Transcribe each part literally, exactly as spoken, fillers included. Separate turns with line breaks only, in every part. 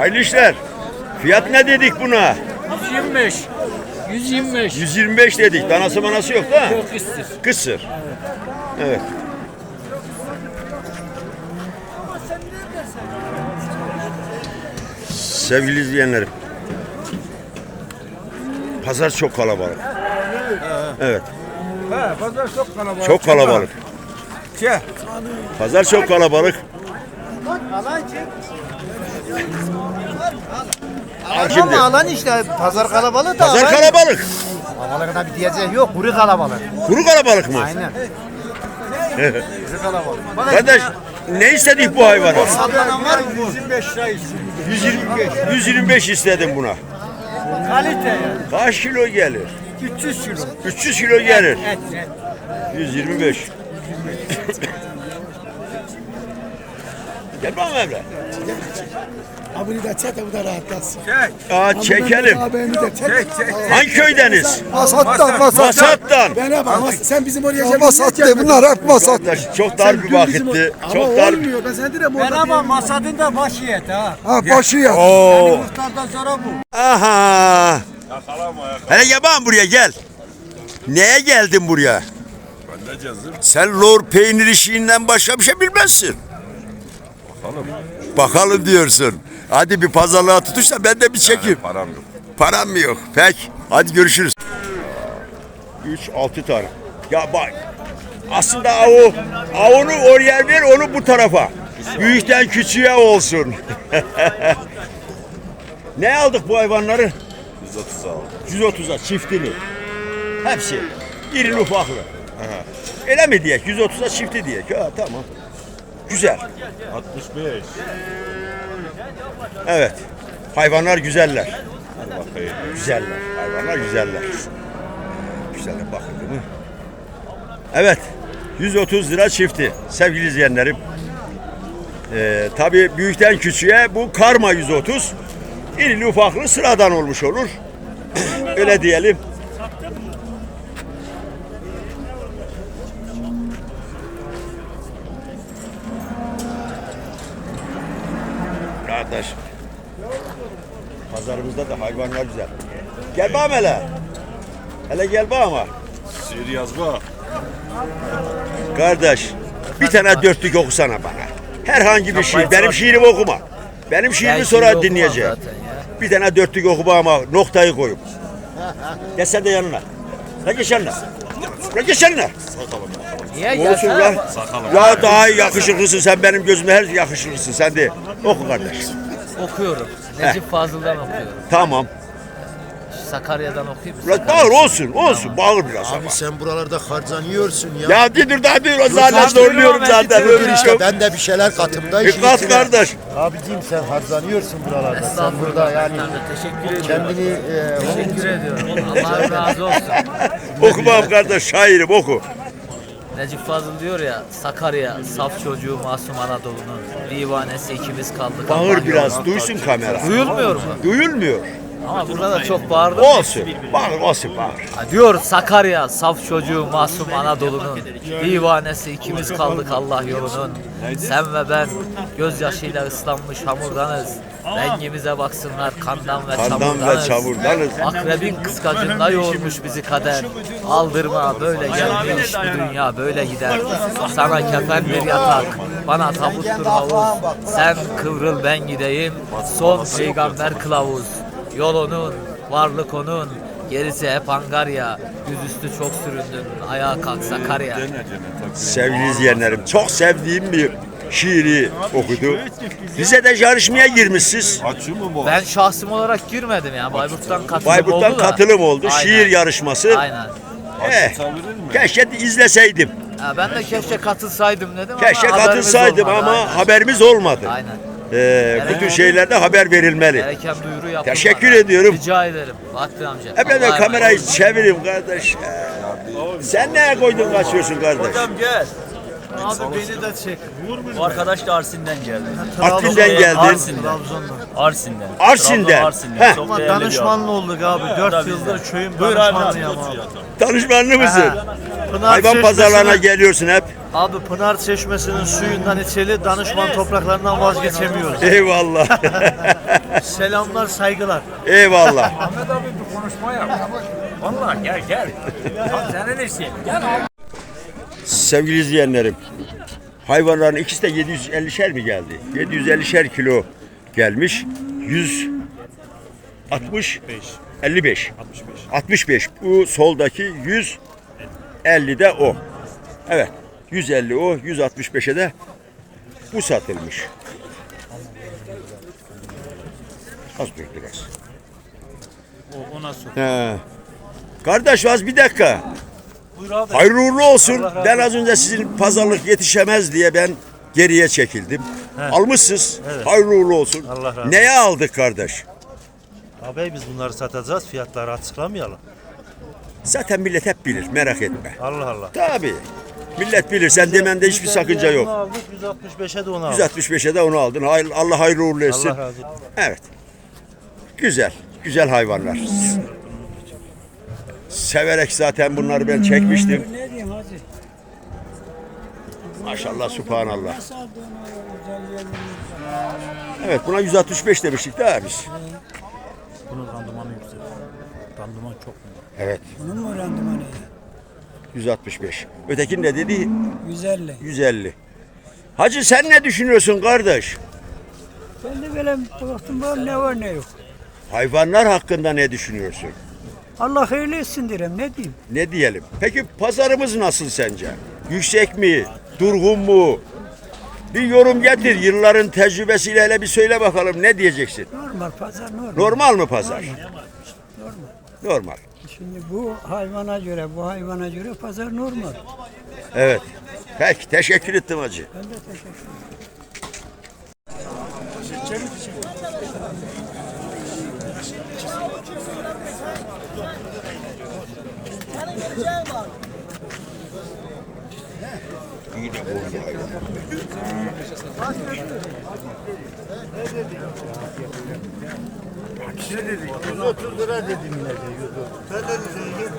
Hayırlı işler. Fiyat ne dedik buna?
yüz yirmi beş. yüz yirmi beş.
yüz yirmi beş dedik. Danası manası yok da.
Yok kısır.
Kısır. Evet. Sevgili izleyenlerim. Pazar çok kalabalık. Evet.
He, pazar çok kalabalık.
Çok kalabalık.
Şey.
Pazar çok kalabalık. Şimdi.
Ama alan işte pazar kalabalık da.
Pazar kalabalık.
Kalabalıkta bir diyeceği yok, kuru kalabalık.
Kuru kalabalık mı?
Aynen. Kuru kalabalık.
Kardeş ne istedik bu hayvana?
Sallanan var mı? yüz yirmi beş lira istiyor.
yüz yirmi beş. yüz yirmi beş istedim buna.
Kalite yani.
Kaç kilo gelir?
üç yüz kilo.
üç yüz kilo gelir.
Et, et.
yüz yirmi beş. Gel bana Emre.
Abini de çek de bu da rahatlatsın.
Aa çekelim.
Abini de çek.
Hangi köydeniz?
Masattan,
Masattan.
Bana bak, mas- sen bizim oraya gelmedin. Masat de bunlar hep masat.
Kardeş, çok dar bir vakitti. Çok dar.
olmuyor. Ben sana dedim orada.
Merhaba, masadın da başı et ha.
Ha başı ya.
Oo.
Muhtardan sonra bu.
Aha. Hele gel bana buraya gel. Neye geldin buraya? Sen lor peynir işinden başka bir şey bilmezsin. Bakalım. Bakalım diyorsun. Hadi bir pazarlığa tutuş da ben de bir çekeyim.
Param yok.
Param mı yok? Peki. Hadi görüşürüz. üç altı tane. Ya bak. Aslında avu, avunu oraya ver, onu bu tarafa. Büyükten küçüğe olsun. Ne aldık bu hayvanları?
yüz otuz aldım.
yüz otuza çiftini. Hepsi. İrili ufaklı. Öyle mi diyek? yüz otuza çifti diyek. Ha, tamam. Güzel.
altmış beş.
Evet. Hayvanlar güzeller.
Hadi bakayım.
Güzeller. Hayvanlar güzeller. Güzeller bakıldı mı? Evet. yüz otuz lira çifti. Sevgili izleyenlerim. Ee, tabii büyükten küçüğe bu karma yüz otuz. İrili ufaklı sıradan olmuş olur. Öyle diyelim. Kardeş. Pazarımızda da hayvanlar güzel. Gel bana hele. Hele gel bana.
Şiir yazma.
Kardeş bir tane dörtlük okusana bana. Herhangi bir şiir. Benim şiirimi okuma. Benim şiirimi sonra dinleyeceğim. Bir tane dörtlük oku ama noktayı koyup. Gel sen de yanına. La geç yanına. La geç yanına.
Niye
Olsun lan. Ya daha iyi yakışıklısın sen benim gözümde her yakışıklısın sen de. Oku kardeş.
Okuyorum. Necip Fazıl'dan okuyorum.
Tamam.
Sakarya'dan okuyayım mı?
Biraz bağır olsun olsun bağır biraz ama.
Abi sen buralarda harcanıyorsun ya.
Ya dur daha dur zaten zorluyorum zaten. Öyle
işte ben de bir şeyler katımda işin
Dikkat
içine.
kardeş.
Abiciğim sen harcanıyorsun buralarda. Sen burada yani
Teşekkür ediyorum.
kendini e,
Teşekkür ediyorum. Allah razı olsun.
Okumam kardeş şairim oku.
Necip Fazıl diyor ya, Sakarya, saf çocuğu masum Anadolu'nun divanesi ikimiz kaldık.
Bağır
Allah
biraz
yoluna.
duysun kamera.
Duyulmuyor mu?
Duyulmuyor.
Ama burada da çok bağırdım.
Olsun. Bağır olsun bağır.
Ha, diyor Sakarya, saf çocuğu masum Anadolu'nun divanesi ikimiz kaldık Allah yolunun. Sen ve ben gözyaşıyla ıslanmış hamurdanız. Rengimize baksınlar kandan ve
Kandan
çamurdanız.
ve çamurdanız.
Akrabin kıskacında yoğurmuş bizi kader. Aldırma böyle gelmiş bu dünya böyle gider. Sana kefen bir yatak, bana tabuttur havuz. Sen kıvrıl ben gideyim, son peygamber kılavuz. Yol onun, varlık onun, gerisi hep Angarya. Yüzüstü çok süründün, ayağa kalk Sakarya.
Sevgili izleyenlerim çok sevdiğim bir şiiri okudu. Rize'de yarışmaya girmişsiniz.
Açıyor mu bu?
Ben şahsım olarak girmedim ya. Bayburt'tan katılım
Bayburt'tan
oldu da.
katılım oldu.
Aynen.
Şiir yarışması.
Aynen.
Eh, keşke izleseydim.
Ha, ben de keşke katılsaydım dedim ama
Keşke
haberimiz
katılsaydım
olmadı,
ama
aynen.
haberimiz olmadı.
Aynen.
Ee, bu tür şeylerde haber verilmeli.
Gereken duyuru yapılmadı.
Teşekkür ediyorum.
Rica ederim. Fatih amca.
Hep de
Allah'a
kamerayı
emanet.
çevireyim kardeş. Ee, Sen neye koydun kaçıyorsun kardeş?
Gel.
Abi beni de çek.
Bu arkadaş da Arsin'den geldi.
Artvin'den geldin.
Arsin'den. Arsin'den.
Arsin'den.
Trabzon Arsin'den.
Heh.
Çok
Ama
değerli bir
danışmanlı olduk abi.
Tabii
dört
bizden.
yıldır köyün
Buyur abi.
danışmanlıyım abi.
Danışmanlı mısın?
Pınar
Hayvan
Çeşmesi'nin-
pazarlarına geliyorsun hep.
Abi Pınar Çeşmesi'nin suyundan içeli danışman topraklarından vazgeçemiyoruz.
Eyvallah.
Selamlar, saygılar.
Eyvallah.
Ahmet abi bir konuşma yap. Vallahi gel gel. Tam senin işin. Gel.
Sevgili izleyenlerim, hayvanların ikisi de yedi yüz ellişer mi geldi? yedi yüz ellişer kilo gelmiş. yüz altmış elli beş. altmış beş. Bu soldaki yüz elli de o. Evet. yüz elli o, yüz altmış beşe de bu satılmış. Az dur biraz.
O, o nasıl?
He. Kardeş az bir dakika.
Buyur abi.
Hayırlı uğurlu olsun.
Allah razı
Ben az önce sizin pazarlık yetişemez diye ben geriye çekildim. Almışsınız. Hayırlı uğurlu olsun.
Allah razı olsun.
Neye aldık kardeş?
Abi biz bunları satacağız. Fiyatları açıklamayalım.
Zaten millet hep bilir. Merak etme.
Allah Allah.
Tabii. Millet bilir. Sen demende hiçbir sakınca
Onu
yok.
aldık. yüz altmış beşe de onu aldık.
yüz altmış beşe de onu aldın. Hayır- Allah hayırlı uğurlu etsin.
Allah razı olsun.
Evet. Güzel. Güzel hayvanlar. Severek zaten bunları ben çekmiştim.
Ne diyeyim hacı?
Maşallah, subhanallah.
Nasıl aldın o güzel yerlerini?
Evet, buna yüz altmış beş demiştik daha biz.
Bunun randımanı yüksek. Randıman çok mu?
Evet,
Bunun mu randımanı?
yüz altmış beş. Ötekinin de dedi
yüz elli.
yüz elli. Hacı sen ne düşünüyorsun kardeş?
Ben de böyle baktım var ne var ne yok.
Hayvanlar hakkında ne düşünüyorsun?
Allah hayırlı etsin derim ne diyeyim.
Ne diyelim? Peki pazarımız nasıl sence? Yüksek mi? Durgun mu? Bir yorum getir. Yılların tecrübesiyle hele bir söyle bakalım ne diyeceksin?
Normal pazar normal.
Normal mı pazar?
Normal.
Normal.
Şimdi bu hayvana göre bu hayvana göre pazar normal.
Evet. Peki teşekkür ettim hacı.
Ben de teşekkür ederim.
İyi de boylu hayvan.
yüz otuz lira dedim ne de yüz otuz. Sen ne dedin?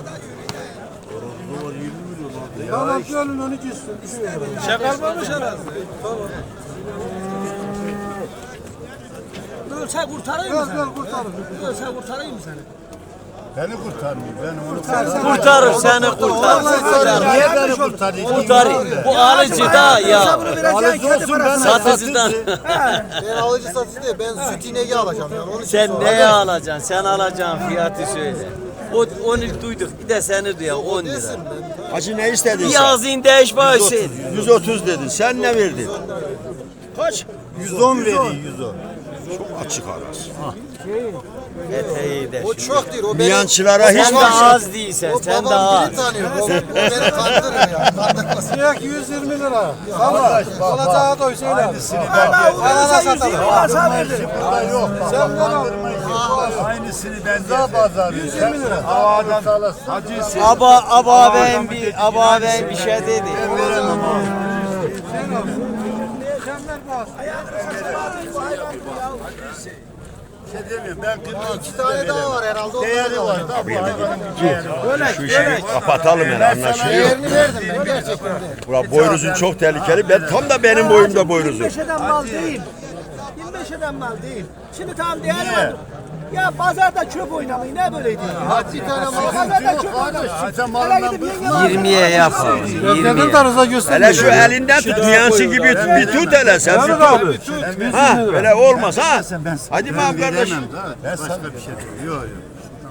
Tamam gönlün onu gitsin.
Şakalmamış herhalde. Ölse kurtarayım mı seni? Ölse kurtarayım mı seni?
Beni kurtarmıyor. Ben onu kurtarmıyor.
Kurtarır seni kurtarır.
Niye beni kurtarıyor?
Kurtarır. Bu alıcı da ya.
Alıcı olsun ben
Satıcıdan.
Ben alıcı satıcı değil, ben süt ineği alacağım yani. Onun için
Sen
sor.
neye alacaksın? Sen alacağın fiyatı söyle. O onu duyduk. Bir de seni duya on lira.
Desin ben.
Hacı ne istedin sen?
Yazın değiş başı.
yüz otuz dedin. Sen ne verdin? Kaç?
yüz on veriyor yüz on.
Çok açık arası.
Eteği de
O
şu.
çok değil, o benim.
Miyancılara hiç
Sen de az değilsen.
O
Sen de
babam
az.
biri tanıyor, o, o beni kandırır ya. Kandırmasın.
Yak yüz yirmi lira.
Arkadaş bak
Olacağı doy söyle.
aynısını ben verdim.
Alana satalım.
Burada yok. Bak,
Sen bana
kandırma işi. Aynısını ben de pazarı. yüz yirmi lira. Havadan salasın. Hacı
Aba aba ben bir aba ben bir şey dedi.
veremem abi. Şey demiyorum ben kırk
İki tane daha var herhalde. o
değeri
kadar.
var da bu hayvanın bir değeri var.
şu işi kapatalım yani anlaşılıyor.
Değerini verdim ben gerçekten de.
Bura boynuzun çok tehlikeli. Ben tam da benim boyumda boynuzum.
yirmi beş eden mal değil. yirmi beş eden mal değil. Şimdi tamam değerli var. Ya pazarda çöp oynamayı ne böyleydi?
Hadi bir tane mal.
Pazarda çöp oynamayı. Hele gidip yenge
yirmiye yapalım. yirmiye.
Hele şu elinden tut. Miyansın gibi bir tut hele sen. Bir tut. Ha böyle olmaz ha. Hadi
Ben
bakalım kardeş.
veremem da. Ben sana bir şey diyorum. Yok yok.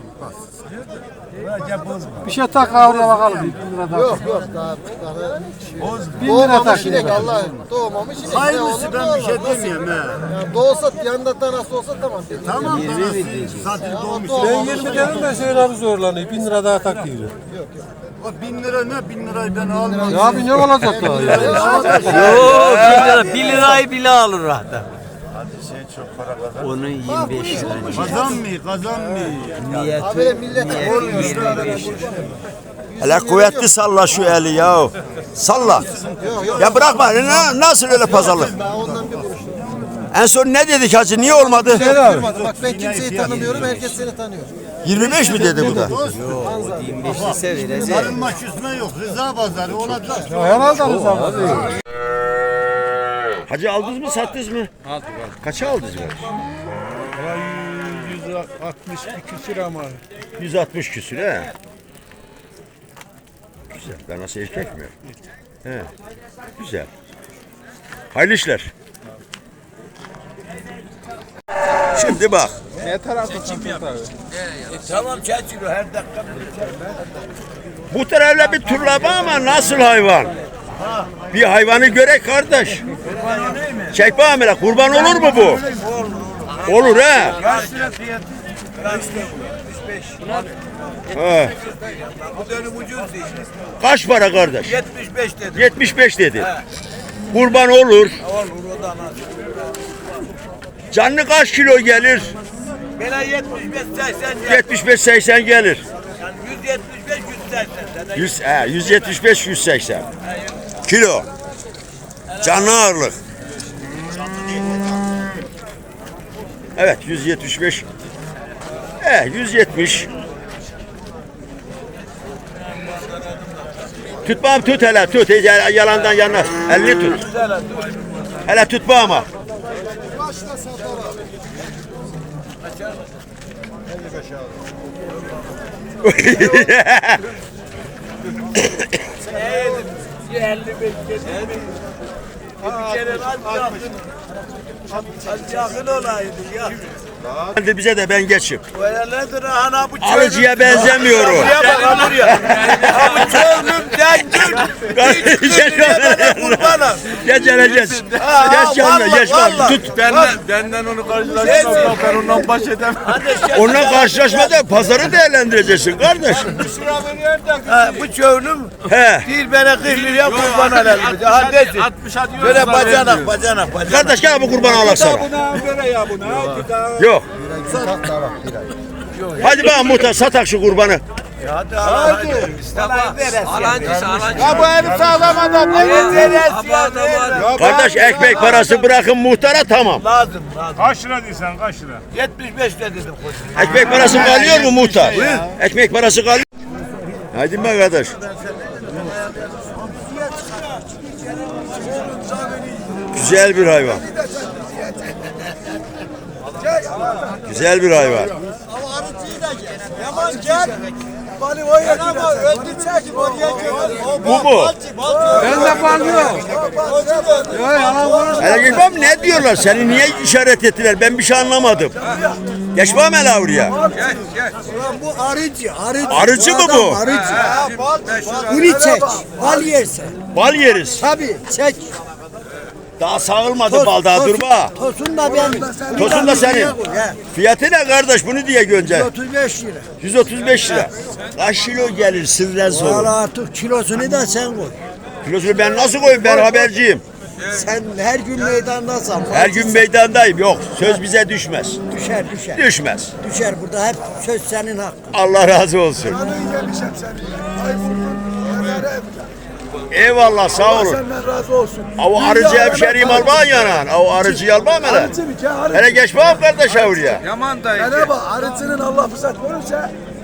Bir şey tak oraya bakalım. bin lira daha.
Yok yok daha. daha
Bin lira
doğmamış
tak.
inek Allah. Doğmamış inek. Ne
Hayırlısı
olur,
ben
ne
bir şey
olur, nasıl?
demiyorum he.
Ya doğsa yanında da nasıl olsa tamam.
Tamam da zaten doğmuş.
Ben
yirmi dedim de Hüseyin abi zorlanıyor. bin lira daha tak diyor.
O bin lira ne? Bin lirayı ben almam.
Ya abi ne olacak da?
Yok bir lira. Bir lirayı bile alır adam.
Hadi şey çok para kazan.
Onun yirmi beş lira.
Kazan mı? Kazan mı?
Niyeti,
Abi millet
niyeti yirmi beş lira.
Hele kuvvetli salla şu eli ya. Salla. Ya bırakma. Na- Nasıl öyle pazarlık?
Ben ondan bir kuruş.
En son ne dedik hacı? Niye olmadı?
Bak ben kimseyi tanımıyorum, herkes seni tanıyor.
yirmi beş mi dedi bu da?
yirmi beş ise verecek.
Arınma küsme yok. Rıza pazarı olacak.
Herhalde abi.
Hacı aldınız mı sattınız mı? Aldık. Kaça aldınız mı?
yüz altmış iki küsür ama.
yüz altmış küsür he. Güzel. Ben nasıl erkek mi? He. Güzel. Hayırlı işler. Şimdi bak.
Ne tarafı
Tamam çekiyor her dakika.
Bu tarafla bir turlama ama nasıl hayvan? Bir hayvanı görek kardeş. Çek bakalım hele, kurban olur mu bu? Olur he.
Kaç lira fiyatı?
He.
Bu dönüm ucuz değil.
Kaç para kardeş?
yetmiş beş dedi.
yetmiş beş dedi. Kurban olur.
Olur o da nasıl?
Canlı kaç kilo gelir?
Bela yetmiş beş seksen gelir.
yetmiş beş seksen gelir.
Yani yüz yetmiş beş yüz seksen.
yüz, he, yüz yetmiş beş yüz seksen kilo. Canlı ağırlık. Evet yüz yetmiş beş. Eh yüz yetmiş. Tut bağım tut hele tut. Hiç yalandan yanına. Elini tut. Hele tut bağıma.
elli beş getirdim. Bir kere az yakın. Az yakın olaydı ya.
Hadi bize de ben geçip.
Böyledir ana bu çölüm.
Alıcıya benzemiyor o.
Buraya bak ha buraya. Ha bu çölüm zengin. Kurbanım.
Geç hele geç.
Ha,
Geç yanına
vallahi,
geç bak.
vallahi.
Tut.
Benden, benden onu karşılaştırsam ben ondan baş edemem.
Onunla karşılaşmada pazarı değerlendireceksin kardeş.
Ha, bu çölüm
He.
bir bana kırk liraya kurban alalım. Ha desin.
altmış atıyoruz.
Böyle bacanak bacanak bacanak.
Kardeş gel bu kurbanı alak sana.
Buna böyle ya buna.
Yok. Hadi bana muhtar satak şu kurbanı.
Hadi hadi. Alancısı alancısı.
Ya bu herif sağlam adam. Ne
Kardeş ekmek parası bırakın muhtara tamam.
Lazım lazım.
Kaç lira diyorsun kaç lira?
yetmiş beş de dedim koçum.
Ekmek parası kalıyor mu muhtar? Ekmek parası kalıyor. Hadi be kardeş. Güzel bir hayvan. Güzel bir hayvan.
Ama arıcıyı da gel. Yaman gel. Bani o yer ama öldü çek oraya gel.
Bu mu?
Ben de banlıyorum.
Hele geçmem ne diyorlar? Seni niye işaret ettiler? Ben bir şey anlamadım. Geçmem hele oraya.
Bu arıcı, arıcı.
Arıcı mı bu?
Arıcı. Bunu çek. Bal yerse.
Bal yeriz.
Tabii çek.
Daha sağılmadı bal daha durma.
Tosun da benim.
Tosun da senin. Fiyatı ne kardeş bunu diye gönce?
otuz beş lira.
yüz otuz beş lira. Kaç kilo gelir sırren
Valla
sorun.
artık kilosunu da sen koy.
Kilosunu ben nasıl koyayım? Ben haberciyim.
Sen her gün meydandasın.
Her gün meydandayım. Yok söz bize düşmez.
Düşer düşer.
Düşmez.
Düşer burada hep söz senin hakkın.
Allah razı olsun. Eyvallah sağ olun.
Senden razı olsun.
Avu arıcı hemşeriyim alman yanan. Avu arıcıyı almam hele.
Arıcı bir kere arıcı.
Hele geç bakalım kardeş avruya.
Yaman dayı.
Sana bak arıcının Allah fırsat verirse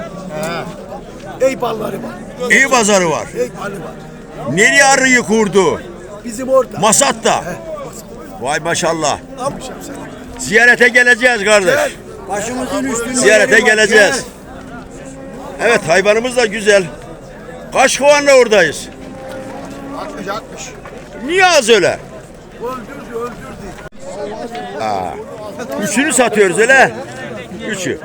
ey balları var.
İyi pazarı var.
Ey balı var.
Nereye arıyı kurdu?
Bizim orada.
Masat'ta. Vay maşallah.
Almışım seni.
Ziyarete geleceğiz kardeş.
Başımızın üstünde.
Ziyarete
yeri var,
geleceğiz. Evet hayvanımız da güzel. Kaç kovanla oradayız?
altmış altmış.
Niye az öyle?
Öldürdü öldürdü.
Aa, üçünü satıyoruz öyle. Üçü.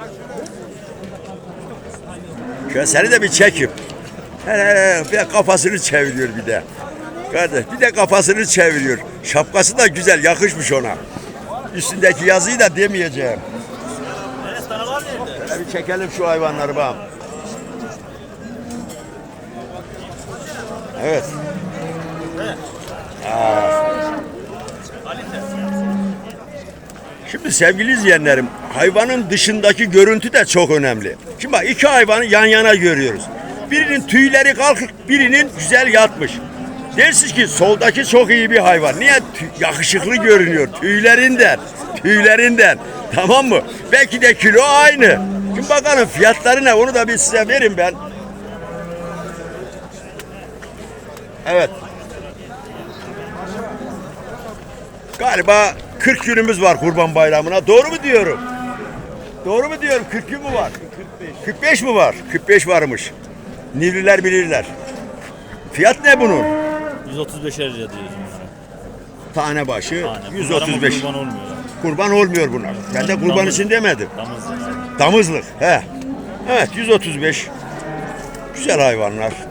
Şöyle seni de bir çekip. Hele hele bir de kafasını çeviriyor bir de. Kardeş bir de kafasını çeviriyor. Şapkası da güzel yakışmış ona. Üstündeki yazıyı da demeyeceğim. Şöyle bir çekelim şu hayvanları bakalım. Evet. Aa. Şimdi sevgili izleyenlerim, hayvanın dışındaki görüntü de çok önemli. Şimdi bak iki hayvanı yan yana görüyoruz. Birinin tüyleri kalkık, birinin güzel yatmış. Dersiniz ki soldaki çok iyi bir hayvan. Niye? Tü- yakışıklı görünüyor tüylerinden. Tüylerinden. Tamam mı? Belki de kilo aynı. Şimdi bakalım fiyatları ne? Onu da bir size verin ben. Evet. Galiba kırk günümüz var Kurban Bayramı'na. Doğru mu diyorum? Doğru mu diyorum? kırk gün mü var? kırk beş mi var? kırk beş varmış. Nivriler bilirler. Fiyat ne bunun?
yüz otuz beşer lira diyoruz bunlara.
Tane başı
Tane.
yüz
Bunlar ama
otuz beş.
kurban olmuyor.
Kurban olmuyor bunlar. Ben de kurban
Damızlık.
için demedim.
Damızlık.
Damızlık. He. Evet yüz otuz beş. Güzel hayvanlar.